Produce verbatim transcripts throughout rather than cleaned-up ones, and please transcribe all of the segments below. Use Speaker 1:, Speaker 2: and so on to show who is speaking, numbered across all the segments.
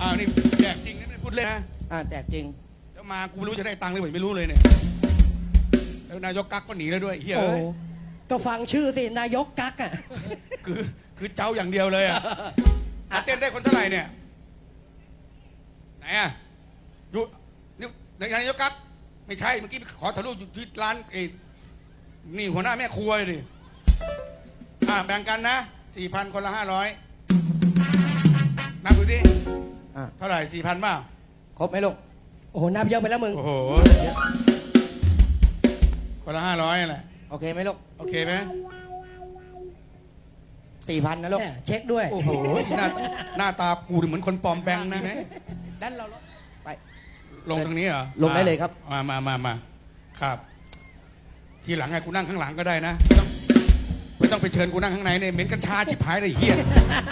Speaker 1: าวนี่แจกจริงนะไม่พูดเล่นนะ
Speaker 2: อ่าแจกจริง
Speaker 1: แล้วมากูไม่รู้จะได้ตังค์หรือเปล่าไม่รู้เลยเนี่ยแล้วนายกกั๊กก็หนีแล้วด้วยเฮีย
Speaker 3: โอ้
Speaker 1: เอ้ย
Speaker 3: ก็ฟังชื่อสินายกกั๊กอ่ะ
Speaker 1: คือคือเจ้าอย่างเดียวเลยอ่ะอ่ะเต้นได้คนเท่าไหร่เนี่ยไหนอ่ะอยู่นี่นายกกั๊กไม่ใช่เมื่อกี้ขอถ่ายรูปอยู่ที่ร้านเอ้นี่หัวหน้าแม่ครัวเลยดิอ่าแบ่งกันนะสี่พันคนละห้าร้อยนับดูดิ
Speaker 2: อ่า
Speaker 1: เท่าไหร่สี่พันบ้า
Speaker 2: ครบไหมลูก
Speaker 3: โอ้โหนับเยอะไปแล้วมึง
Speaker 1: โอ้โหคนละห้าร้อยแหละ
Speaker 2: โอเคไหมลูก
Speaker 1: โอเคไหม
Speaker 2: สี่พันนะลูก
Speaker 3: เนี่ยเช็คด้วย
Speaker 1: โอ้โหหน้าหน้าตากูเหมือนคนปลอมแปลงนะไหม
Speaker 2: ด้านเราลดไป
Speaker 1: ลงตรงนี้เหรอ
Speaker 2: ลงได้เลยครับ
Speaker 1: มามามามาครับ ทีหลังไงกูนั่งข้างหลังก็ได้นะไม่ต้องไม่ต้องไปเชิญกูนั่งข้างในเนี่ยเหม็นกัญชาชิบหายเลยเฮีย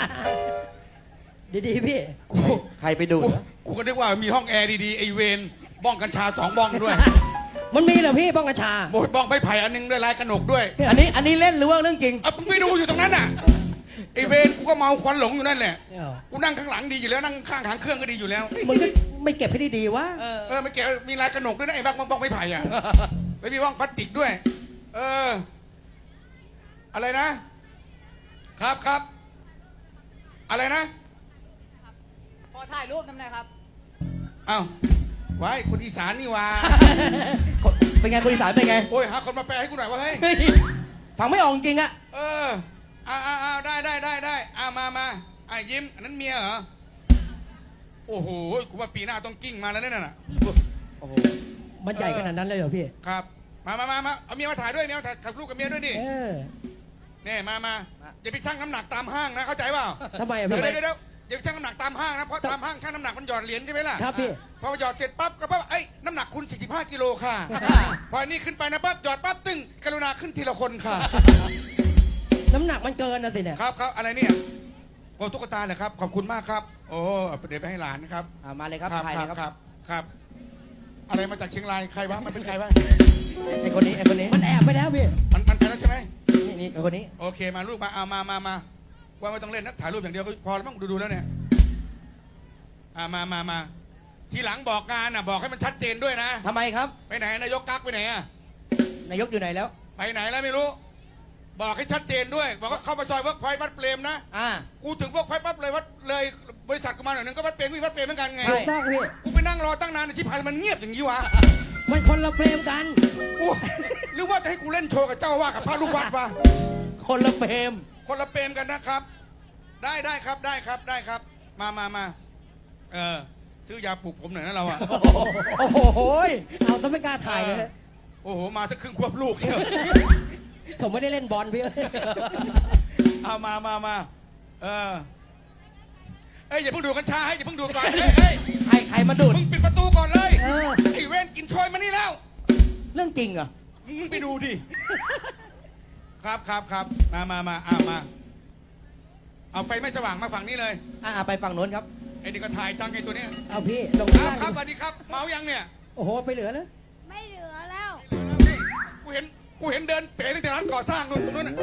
Speaker 3: ดีๆพี่
Speaker 1: กู
Speaker 2: ใครไปดูด
Speaker 1: กู
Speaker 2: เหรอ
Speaker 1: กูก็นึกว่ามีห้องแอร์ดีๆไอเวนบ้องกัญชาสองบ้องด้วย
Speaker 3: มันมีเหรอพี่บ้องกัญชา
Speaker 1: โบยบ้องใบไผ่อันนึงด้วยลายกระหนกด้วย
Speaker 2: อันนี้อันนี้เล่นหรือว่าเรื่องจริง
Speaker 1: เอามึงไปดูอยู่ตรงนั้นน่ะไอเวนกูก็เมาควันหลงอยู่นั่นแหละ
Speaker 3: เนี่ยเหรอ
Speaker 1: กูนั่งข้างหลังดีอยู่แล้วนั่งข้างทางเครื่องก็ดีอยู่แล้ว
Speaker 3: มึงก็ไม่เก็บให้ดีๆวะ
Speaker 2: เออ
Speaker 1: เออไม่เกี่ยวมีลายกระหนกด้วยนะไอ้บ้องบ้องไม้ไผ่อะไม่มีบ้องพลาสติกด้วย เออ อะไรนะ ครับครับอะไรนะ
Speaker 4: ขอถ่ายรูปทำไงครับ
Speaker 1: อ้าวไว้คนอีสานนี่ว่า
Speaker 2: เป็นไงคนอีสานเป็นไง
Speaker 1: โอ้ยหาคนมาแปลให้กูหน่อยว่าเฮ้ย
Speaker 2: เฮ้ยฟังไม่ออกจริงอะ
Speaker 1: เอออ้าวอ้าวอ้าวได้ได้ได้ได้อ้าวมามาไอ้ยิ้มอันนั้นเมียเหรอโอ้โหกูว่าปีหน้าต้องกิ้งมาแล้วเนี่ยน่ะ
Speaker 2: โอ้โห
Speaker 3: มันใหญ่ขนาดนั้นเลยเหรอพี่
Speaker 1: ครับ มามามามาเอาเมียมาถ่ายด้วยเมียมาถ่ายกับลูกกับเมียด้วยดิ
Speaker 3: เออ
Speaker 1: เนี่ยมามาอย่าไปชั่งน้ำหนักตามห้างนะเข้าใจเปล่า
Speaker 3: ทำไมอะ
Speaker 1: เดี๋
Speaker 3: พี่
Speaker 1: ยวเดี๋ยวเดี๋ยวอย่าไปชั่งน้ำหนักตามห้างนะเพราะตามห้างชั่งน้ำหนักมันหยอดเหรียญใช่ไหมล่ะ
Speaker 3: ครับพี่
Speaker 1: พอหยอดเสร็จปั๊บก็ปั๊บเอ้ยน้ำหนักคุณสี่สิบห้ากิโลค่ะพออันนี้ขึ้นไปนะปั๊บหยอดปั๊บตึ้งกรุณาขึ้นทีละคนค่ะ
Speaker 3: น้ำหนักมันเกินนะสิเนี่ย
Speaker 1: ครับครับอะไรเนี่ยโอ้ตุ๊กตาเหรอครับขอบคุณมากครับ โอ้เดี๋ยวไปให้หลานนะครับ
Speaker 2: อ่ามาเลยครับ
Speaker 1: ครับ
Speaker 2: ถ่าย
Speaker 1: ค
Speaker 2: เล
Speaker 1: รับ
Speaker 2: ยครับ
Speaker 1: ครับครับ อะไรมาจากเชียงรายใครวะมันเป็นใครวะ
Speaker 2: ไอ้คนนี้ไอ้คนนี้
Speaker 3: มันแอบไปแล้วพี่
Speaker 1: มันมันไปแล้วใช่ไหม
Speaker 2: นี่นี่ไอ้คนนี้
Speaker 1: โอเคมาลูกมาเอามามามาว่าไม่ต้องเล่นนักถ่ายรูปอย่างเดียวก็พอแล้วมั้งดูดูแล้วเนี่ยอ่ามามามาทีหลังบอกงานอ่ะบอกให้มันชัดเจนด้วยนะ
Speaker 2: ทำไมครับ
Speaker 1: ไปไหนนายกกั๊กไปไหนอ่ะ
Speaker 2: นายกอยู่ไหนแล้ว
Speaker 1: ไปไหนแล้วไม่รู้ บอกให้ชัดเจนด้วย บอกว่าเข้ามาซอยเวิร์กพอยต์วัดเปรมนะ
Speaker 2: อ่า
Speaker 1: กูถึงเวิร์กพอยต์ปั๊บเลยวัดเลยบริษัทกูมาหน่อยนึงก็วัดเปรมวิ่งวัดเปรมเหมือนกันไง
Speaker 2: ใช่
Speaker 3: ถูกต้องพี่
Speaker 1: กูไปนั่งรอตั้งนานชิบหายมันเงียบอย่างนี้วะ
Speaker 3: มันคนละเฟรมกัน
Speaker 1: กูหรือว่าจะให้กูเล่นโชว์กับเจ้าว่ากับพระลูกวัดวะ
Speaker 2: คนละเฟรม
Speaker 1: คนละเปรมกันนะครับ ได้ได้ครับได้ครับได้ครับ มามามาเออซื้อยาปลุกผมหน่อยนะเราอะ
Speaker 3: โอ้โหยเอาซะไม่กล้าถ่ายเลย
Speaker 1: โอ้โหมาสักครึ่งควบลูกเชียว
Speaker 3: ผมไม่ได้เล่นบอลพี่
Speaker 1: เอามามามาเออเอ้ยอย่าเพิ่งดูดกัญชาให้อย่าเพิ่งดูดก่อนเอ้ยเอ้ย
Speaker 2: ใครใครมาดูด
Speaker 1: มึงปิดประตูก่อนเลย
Speaker 3: เออ
Speaker 1: ไอ้เว้นกินชอยมานี่แล้ว
Speaker 2: เรื่องจริงเหรอ
Speaker 1: มึงไปดูดิครับครับครับมามามาเอามาเอาไฟไม่สว่างมาฝั่งนี้เลย
Speaker 2: อ่าไปฝั่งโน้นครับ
Speaker 1: ไอ้นี่ก็ถ่ายจังไอ้ตัวเนี้ย
Speaker 3: เอาพี่ลง
Speaker 1: ค
Speaker 3: ได้
Speaker 1: รับครับสวัสดีครับ เมายังเนี่ย
Speaker 3: โอ้โหไปเหลือแล้ว
Speaker 4: ไม่เหลือแล้ว
Speaker 1: กูเห็นกูเห็นเดินเป๋ตั้งแต่ร้านก่อสร้างนู่นนู่นน่ะ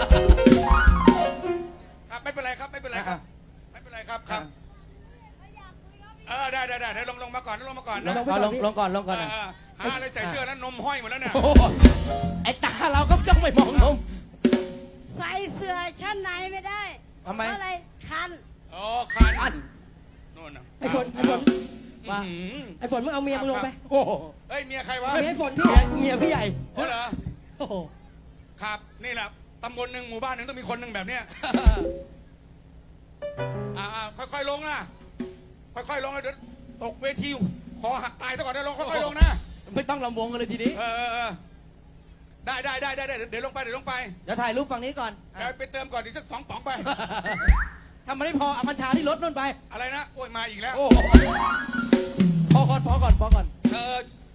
Speaker 1: ครับไม่เป็นไรครับไม่เป็นไรครับไม่เป็นไรครับครับเออได้ได้ได้ได้ลงลงมาก่อนลงมาก่อนนะ
Speaker 2: เอาลงลงก่อนลงก่อน
Speaker 1: เอ
Speaker 2: นะ
Speaker 1: อหาอะไรใส่เสื้อนั้นนมห้อยหมดแล้วเนี่ย
Speaker 2: โอ้โหไอ้ตาเราก็ต้องไม่มองนม
Speaker 4: ใส่เสื้อชั้นในไม่ได้
Speaker 2: ทำไม
Speaker 4: เพราะอะไรคัน
Speaker 1: อ๋อคัน
Speaker 2: อัน
Speaker 1: นู่นน่ะ
Speaker 3: ไอ้ฝนไอ้ฝน
Speaker 1: ว่า
Speaker 3: ไอ้ฝนมึงเอาเมียมึงลงไป
Speaker 2: โอ้โห
Speaker 1: เฮ้ยเมียใครวะ
Speaker 3: เมียไอ้ฝนพี่
Speaker 2: เมียเมียพี่ใหญ่
Speaker 1: โอ้เหรอ
Speaker 3: โอ้โห
Speaker 1: ครับนี่แหละตำบลหนึ่งหมู่บ้านหนึ่งต้องมีคนหนึ่งแบบเนี้ยอ่าอ่าค่อยๆลงนะค่อยๆลงนะเดี๋ยวตกเวทีคอหักตายซะก่อนเดี๋ยวลงค่อยๆลงนะ
Speaker 2: ไม่ต้องลำวงกันเลยทีนี้
Speaker 1: เออเออเออได้ได้ได้ได้ได้เดี๋ยวลงไปเดี๋ยวลงไป
Speaker 2: เดี๋ยวถ่ายรูปฝั่งนี้ก่อน
Speaker 1: เดี๋ยวไปเติมก่อนอีกสักสองป๋องไป
Speaker 2: ทำมันไม่พอเอากัญชาที่รถนู่นไป
Speaker 1: อะไรนะโอ้ยมาอีกแล้ว
Speaker 2: โอ้โหพอก่อนพอก่อนพอก่อน
Speaker 1: เออ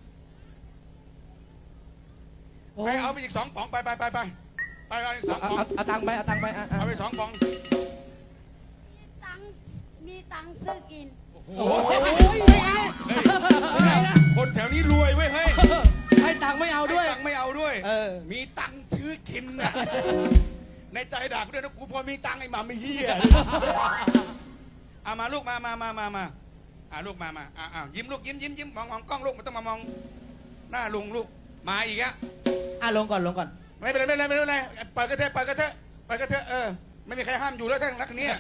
Speaker 3: โอ้
Speaker 1: ไปเอาไปอีกสองป๋องไปไปไปไปไปเอาอีกสอง
Speaker 2: เอา
Speaker 1: ป๋อง
Speaker 2: เอาเอาตังค์ไปเอาตังค์ไปอ่ะอ่ะ
Speaker 1: เอาไปสองป๋อง
Speaker 4: ตังค์มีตังค์ซื้อกิน
Speaker 1: โอ้โหคนแถวนี้รวยเว้ยเฮ้ย
Speaker 2: ให้ตังค์ไม่เอาด้วย
Speaker 1: ให้ตังค์ไม่เอาด้วย
Speaker 2: เออ
Speaker 1: มีตังค์ซื้อกินนะในใจด่ากูด้วยนะกูพอมีตังค์ไอ้หมาไม่เหี้ยเอามาลูกมามามามามาอ่าลูกมามาอ่าอ่ายิ้มลูกยิ้มยิ้มยิ้มมองมองกล้องลูกมันต้องมามองหน้าลุงลูกมาอีกอะ
Speaker 2: อ่ะลงก่อนลงก่อน
Speaker 1: ไม่เป็นไรไม่เป็นไรไม่เป็นไรปล่อยกระเทะปล่อยกระเทะปล่อยกระเทะเออไม่มีใครห้ามอยู่แล้วทั้งรักนี้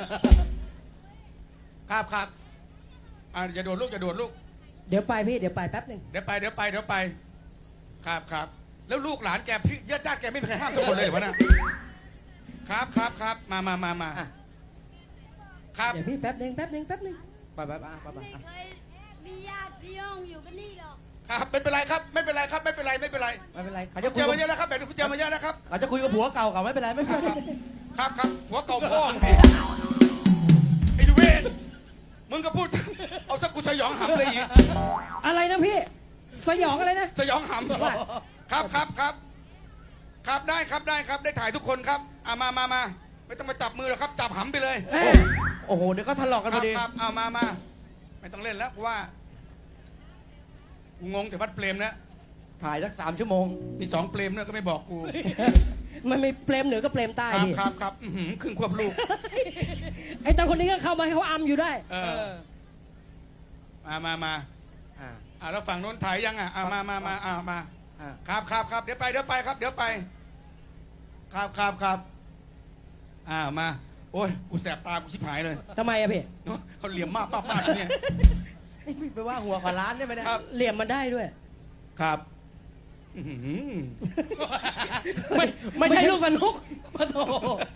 Speaker 1: ครับครับอ่าอย่าโดดลูกอย่าโดดลูก
Speaker 3: เดี๋ยวไปพี่เดี๋ยวไปแป๊บหนึ่ง
Speaker 1: เดี๋ยวไปเดี๋ยวไปเดี๋ยวไปครับครับแล้วลูกหลานแกพี่ญาติญาติแกไม่มีใครห้ามสักคนเลยเหรอวะน่ะครับครับครับมามามามา
Speaker 2: อ่ะ
Speaker 1: ครับ
Speaker 3: เดี๋ยวพี่แป๊บหนึ่งแป๊บหนึ่งแป๊บหนึ่ง
Speaker 2: ไปไปไปไปไป
Speaker 4: ไม่เคยมีญาติพี่น้องอยู่กันนี่หรอก
Speaker 1: ครับไม่เป็นไรครับไม่เป็นไรครับไม่เป็นไรไม่เป็นไร
Speaker 2: ไม่เป็นไรเขา
Speaker 1: เจ
Speaker 2: จะคุย
Speaker 1: อ
Speaker 2: กับ
Speaker 1: มาเยอะแล้วครับแบบนี้เจอมาเยอะแล้วครับ
Speaker 2: เขาจะคุยกับผัวเก่าเขาไม่เป็นไรไม่เป็นไร
Speaker 1: ครับครับหัวเก่าพ่อมึงดิไอ้ดูเวนมึงก็พูดเอาสักกูสยองหำเลยอีก
Speaker 3: อะไรนะพี่สยองอะไรนะ
Speaker 1: สยองหำครับครับครับครับได้ครับได้ครับได้ถ่ายทุกคนครับอ่ามามามาไม่ต้องมาจับมือหรอกครับจับหำไปเลย
Speaker 3: เอ้ย
Speaker 2: โอ้โหเดี๋ยวก็ทะเลาะกัน
Speaker 1: ค
Speaker 2: พ
Speaker 1: รั
Speaker 2: อบ ดี
Speaker 1: ครับเอามามาไม่ต้องเล่นแล้วเพราะว่ากูงงแต่วัดเปรมนะ
Speaker 2: ถ่ายสักสามชั่วโมง
Speaker 1: มีสองเปรมเนี่ยก็ไม่บอกกู
Speaker 3: มันมีเปรมเหนือกับเปรมใต้
Speaker 1: ครับ
Speaker 3: พี่
Speaker 1: ครับครับอื้อหือครึ่งควบลูก
Speaker 3: ไอ้ตอนคนนี้ก็เข้ามาให้เขาอัมอยู่ได้
Speaker 1: เออมามามา
Speaker 2: อ่า
Speaker 1: อ่าแล้วฝั่งโน้นถ่ายยังอ่ะอ่ามามามาอ่ามา
Speaker 2: อ่า
Speaker 1: ครับครับครับเดี๋ยวไปเดี๋ยวไปครับเดี๋ยวไป ครับครับครับอ่ามาโอ้ยกูแสบตากูชิบหายเลย
Speaker 3: ทำไมอะพี่
Speaker 1: เขาเหลี่ยมมากป้าป้าเนี่ย
Speaker 2: นี่ไปว่าหัวขวาล้านได้ไหมเนี่ย
Speaker 1: ครับ
Speaker 3: เหลี่ยมมันได้ด้วย
Speaker 1: ครับอื้อหือ
Speaker 2: ไม่ไม่ใช่ลูกสนุกมาโถ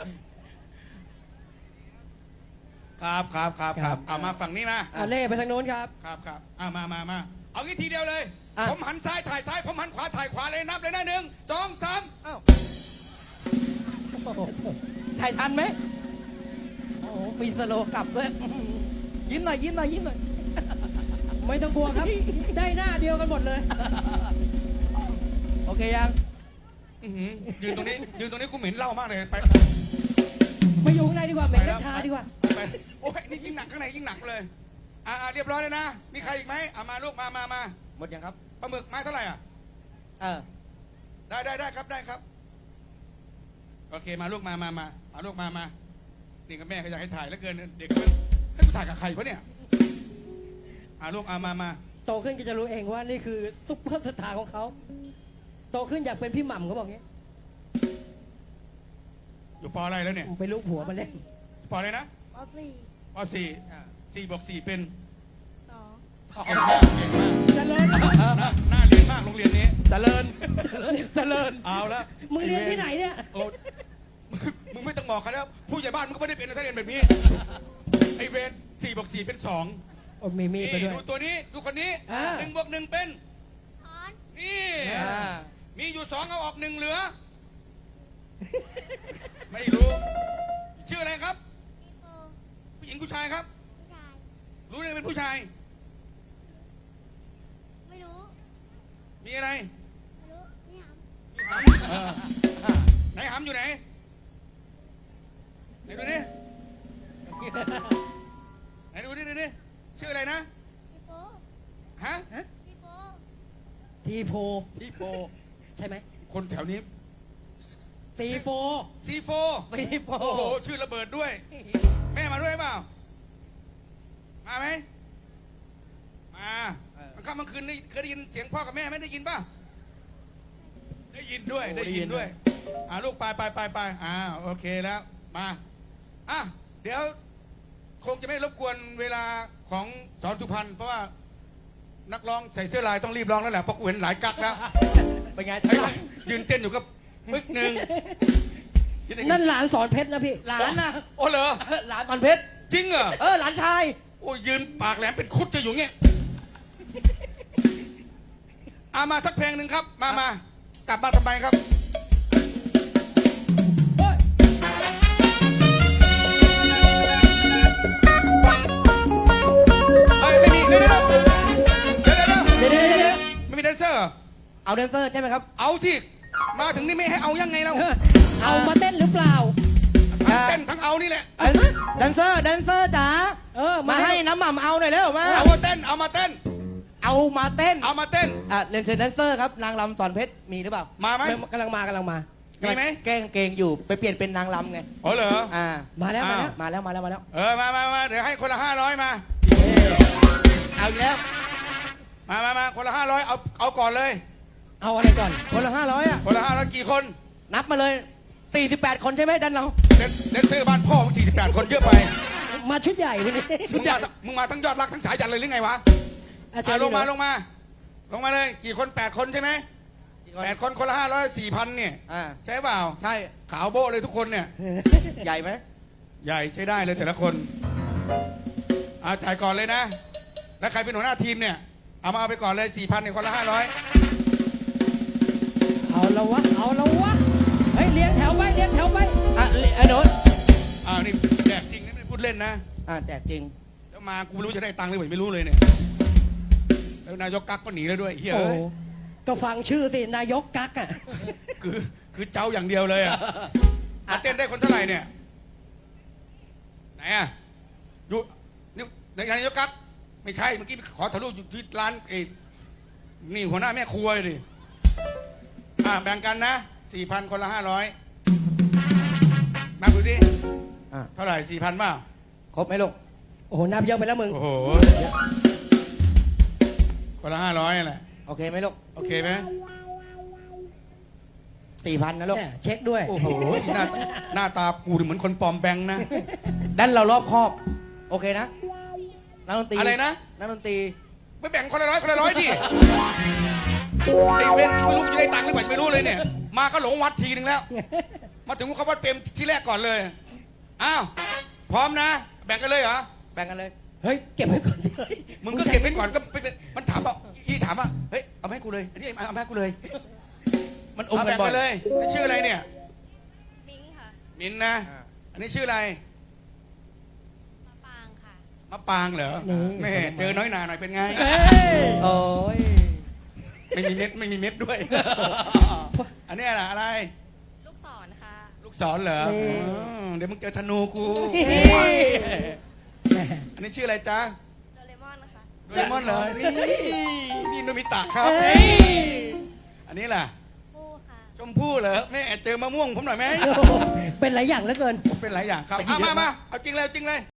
Speaker 1: ครับครับครับครับเอามาฝั่งนี้มา
Speaker 3: อ่ะเล่ไปทางโน้นครับ
Speaker 1: ครับครับเอามามามาเอางี้ทีเดียวเลย
Speaker 2: อ่ะ
Speaker 1: ผมหันซ้ายถ่ายซ้ายผมหันขวาถ่ายขวาเลยนับเลยนะหนึ่งสองสาม
Speaker 2: อ้าวถ่ายทันไหมโอ้โหมีสโลว์กลับด้วยยิ้มหน่อยยิ้มหน่อยยิ้มหน่อย
Speaker 3: ไม่ต้องกลัวครับ ได้หน้าเดียวกันหมดเลย
Speaker 2: โอเคยัง
Speaker 1: อื้อหือยืนตรงนี้ยืนตรงนี้กูเหม็นเหล้ามากเลยไป
Speaker 3: ไปอยู่ข้างในดีกว่าเหม็นกัญชาดีกว่า
Speaker 1: ไปโอ้ยนี่ยิ่งหนักข้างในยิ่งหนักเลยอ่าอ่าเรียบร้อยเลยนะมีใครอีกไหมอ่ามาลูกมามามา
Speaker 2: หมดยังครับ
Speaker 1: ปลาหมึกไม้เท่าไหร่อ่ะ
Speaker 2: เออ
Speaker 1: ได้ได้ได้ครับได้ครับโอเคมาลูกมามามามาลูกมามานี่กับแม่ก็อยากให้ถ่ายแล้วเกินเด็กมันให้กูถ่ายกับใครวะเนี่ยอ่าลูกอ่ามามา
Speaker 3: โตขึ้นก็จะรู้เองว่านี่คือซุปเปอร์สตาร์ของเขา โตขึ้นอยากเป็นพี่หม่ำเขาบอกงี้
Speaker 1: อยู่ปออะไรแล้วเนี่ย
Speaker 3: ไปลูกผัวมาเล่น
Speaker 1: ปออะไรนะ
Speaker 4: ปสี่
Speaker 1: ปอสี่สี่บวกสี่เป็น
Speaker 4: สอง
Speaker 1: เก่งมากเก่งมาก
Speaker 3: เจริญ
Speaker 1: น่าน่าเรียนมากโรงเรียนนี้
Speaker 2: เจริญเจริญ
Speaker 1: เอาละ
Speaker 3: มึงเรียนที่ไหนเนี่ย
Speaker 1: โอ้มึงไม่ต้องบอกเขาแล้วผู้ใหญ่บ้านมึงก็ไม่ได้เป็นถ้าเรียนแบบนี้ไอเวนสี่บวกสี่เป็นสอง
Speaker 3: โอ้มีมีดไปด้วย
Speaker 1: ดูตัวนี้ดูคนนี้
Speaker 3: อ่า
Speaker 1: หนึ่งบวกหนึ่งเป็น
Speaker 4: ถอน
Speaker 1: นี่
Speaker 2: อ่า
Speaker 1: มีอยู่สองเอาออกหนึ่งเหลือ ไม่รู้ ชื่ออะไรครับ
Speaker 4: อีโป
Speaker 1: ผู้หญิงผู้ชายครับ
Speaker 4: ผู้ชาย
Speaker 1: รู้ได้ไงเป็นผู้ชาย
Speaker 4: ไม่รู้
Speaker 1: มีอะไร
Speaker 4: ไม่รู้นี่ห
Speaker 1: มีหำไหนหำอยู่ไหนไหนดูดิไหนดูดิดูดิชื่ออะไรนะ
Speaker 4: ำอีโป
Speaker 1: ฮะ
Speaker 4: อีโป
Speaker 3: ทีโฟ
Speaker 2: พี่โป
Speaker 3: ใช่ไหม
Speaker 1: คนแถวนี้
Speaker 3: ตีโฟ
Speaker 1: ซีโฟ
Speaker 2: พี่โป
Speaker 1: โอ้โหชื่อระเบิดด้วย แม่มาด้วยเปล่ามาไหมมามันค่ำกลางคืนนี่เคยได้ยินเสียงพ่อกับแม่ไหม่ได้ยินป่ะได้ยินด้วยได้ยินด้วยอ่าลูกไปไปไปไปอ่าโอเคแล้วมาอ่ะเดี๋ยวคงจะไม่รบกวนเวลาของสอนสุพรรณเพราะว่านักร้องใส่เสื้อลายต้องรีบร้องแล้วแหละเพราะกูเห็นหลายกักแล้ว
Speaker 2: เป็นไง
Speaker 1: ไอ้ยืนเต้นอยู่กับปึ๊กหนึ่ง
Speaker 3: นั่นหลานสอนเพชรนะพี่
Speaker 2: หลานนะ
Speaker 1: โอ้เหรอ
Speaker 2: หลานตอนเพชร
Speaker 1: จริงเหรอ
Speaker 2: เออหลานชาย
Speaker 1: โอ้ยยืนปากแหลมเป็นคุดจะอยู่เงี้ยเอามาสักเพลงหนึ่งครับ มามากลับมาทำไมครับ เฮ้ย ไม่มีเดี๋ยวเดี๋ยวเดี๋ยวเดี๋ยวเดี๋ยว
Speaker 2: เดี๋ยวเดี๋ยวเดี๋ยว
Speaker 1: ไม่มีแดนเซอร์เหรอ
Speaker 2: เอาแดนเซอร์ใช่ไหมครับ
Speaker 1: เอาที่มาถึงนี่ไม่ให้เอายังไงเรา
Speaker 3: เอามาเต้นหรือเปล่า
Speaker 1: ทั้งเต้นทั้งเอานี่แหละ
Speaker 3: เอ้ย
Speaker 2: แดนเซอร์แดนเซอร์จ๋า
Speaker 3: เออ
Speaker 2: มาให้น้ำหม่ำเอาหน่อยเร็วมา
Speaker 1: เอามาเต้น เอามาเต้น
Speaker 2: เอามาเต้น
Speaker 1: เอามาเต้น
Speaker 2: อ่ะเรียนเชิญแดนเซอร์ครับนางรำสอนเพชรมีหรือเปล่า
Speaker 1: มาไหม
Speaker 3: กำลังมากำลังมา
Speaker 1: มีไหม
Speaker 2: แกล้งเกงอยู่ไปเปลี่ยนเป็นนางรำไง
Speaker 1: อ๋อเหรอ
Speaker 2: อ่า
Speaker 3: มาแล้วมาแล้ว
Speaker 2: มาแล้วมาแล้วมาแล้ว
Speaker 1: เออ มามามาเดี๋ยวให้คนละห้าร้อยมา
Speaker 2: เอาอีกแล้ว
Speaker 1: มามามาคนละห้าร้อยเอาเอาก่อนเลย
Speaker 3: เอาอะไรก่อน
Speaker 2: คนละห้าร้อยอ่ะ
Speaker 1: คนละห้าร้อยกี่คน
Speaker 2: นับมาเลยสี่สิบแปดคนใช่ไหมดันเรา
Speaker 1: เด็กเด็กซื้อบ้านพ่อมึงสี่สิบแปดคนเยอะไป
Speaker 3: มาชุดใหญ่วันนี้
Speaker 1: มึงมามึงมาทั้งยอดรักทั้งสายยันเลยหรือไงวะ
Speaker 3: อาจา
Speaker 1: อ่ะ
Speaker 3: รย์
Speaker 1: ลงมา
Speaker 3: นี่เห
Speaker 1: ล
Speaker 3: รอง
Speaker 1: มา ลงมาเลย กี่คนแปดคนใช่ไหมแปดคนคนละห้าร้อยสี่พันเนี่ย
Speaker 2: อ่า
Speaker 1: ใช่เปล่า
Speaker 2: ใช่
Speaker 1: ขาวโบ้เลยทุกคนเนี่ย
Speaker 2: ใหญ่ไหม
Speaker 1: ใหญ่ใช้ได้เลยแต่ละคนอาจ่ายก่อนเลยนะ แล้วใครเป็นหัวหน้าทีมเนี่ย เอามาเอาไปก่อนเลยสี่พันเนี่ยคนละห้าร้อย
Speaker 3: เอาละวะ เอาละวะ เฮ้ยเลี้ยงแถวไปเลี้ยงแถวไป
Speaker 2: อ่ะไอ้โน้ต
Speaker 1: อ้าวนี่แจกจริงนะไม่ได้พูดเล่นนะ
Speaker 2: อ่าแจกจริง
Speaker 1: แล้วมากูไม่รู้จะได้ตังค์หรือเปล่าไม่รู้เลยเนี่ย แล้วนายกกั๊กก็หนีแล้วด้วยเฮีย
Speaker 3: โอ้
Speaker 1: เอ้ย
Speaker 3: ก็ฟังชื่อสิ นายกกั๊กอ่ะ
Speaker 1: คือคือเจ้าอย่างเดียวเลยอ่ะอ่ะเต้นได้คนเท่าไหร่เนี่ย ไหนอ่ะอยู่นี่นายกกั๊กไม่ใช่เมื่อกี้ขอถ่ายรูปอยู่ที่ร้านเอ้นี่หัวหน้าแม่ครัวดิอ่าแบ่งกันนะสี่พันคนละห้าร้อยนับดูดิ
Speaker 2: อ่ะ
Speaker 1: เท่าไหร่สี่พันเปล่า
Speaker 2: ครบไหมลูก
Speaker 3: โอ้โหนับเยอะไปแล้วมึง
Speaker 1: โอ้โหคนละห้าร้อยแหละ
Speaker 2: โอเคไหมลูก
Speaker 1: โอเคไหม
Speaker 2: สี่พันนะลูก
Speaker 3: เนี่ยเช็คด้วย
Speaker 1: โอ้โหหน้าหน้าตากูเหมือนคนปลอมแบงค์นะ
Speaker 2: ดันเรารอบครอบ โอเคนะนักดนตรี
Speaker 1: อะไรนะ
Speaker 2: นักดนตรี
Speaker 1: ไม่แบ่งคนละร้อยคนละร้อยดิไอ้เว้นไม่รู้จะได้ตังค์หรือเปล่าไม่รู้เลยเนี่ย มาก็หลงวัดทีนึงแล้ว มาถึงเขาวัดเปรมที่แรกก่อนเลย อ้าว พร้อมนะ แบ่งกันเลยเหรอ
Speaker 2: แบ่งกันเลย
Speaker 3: เฮ้ย เก็บไว้ก่อนดิเฮ้ย
Speaker 1: มึงก็เก็บไว้ก่อนก็ไปเป็นมันถามว่าอีถามว่า เฮ้ย เอามาให้กูเลย อันนี้เอามาให้กูเลย
Speaker 2: มันอม
Speaker 1: เอา
Speaker 2: กัน
Speaker 1: แบ่ง
Speaker 2: บ่อย
Speaker 1: กันเลยแล้วชื่ออะไรเนี่ย
Speaker 4: มิงค่ะ
Speaker 1: มินนะ อันนี้ชื่ออะไร
Speaker 4: มาปางค่ะ
Speaker 1: มะปางเหรอแม่เจอน้อยหนาหน่อยเป็นไง
Speaker 3: เฮ้ย
Speaker 2: โอ้ย
Speaker 1: ไม่มีเม็ดไม่มีเม็ดด้วย อันนี้อะไรอะไร
Speaker 4: ลูกศรค่ะ
Speaker 1: ลูกศรเหรออ๋อเดี๋ยวมึงเจอธนูกู อันนี้ชื่ออะไรจ๊ะ
Speaker 4: โดเรมอนนะคะ
Speaker 1: โดเรมอนเหรอ นี่นี่โนมิตะครับ
Speaker 3: เฮ้ย
Speaker 1: อันนี้ล่ะ
Speaker 4: ฟูค่ะ
Speaker 1: ชมพู่เหรอแม่เจอมะม่วงผมหน่อยไหม
Speaker 3: เป็นหลายอย่างเหลือเกิน
Speaker 1: เป็นหลายอย่างครับเอามามาเอาจริงเลยเอาจริงเลย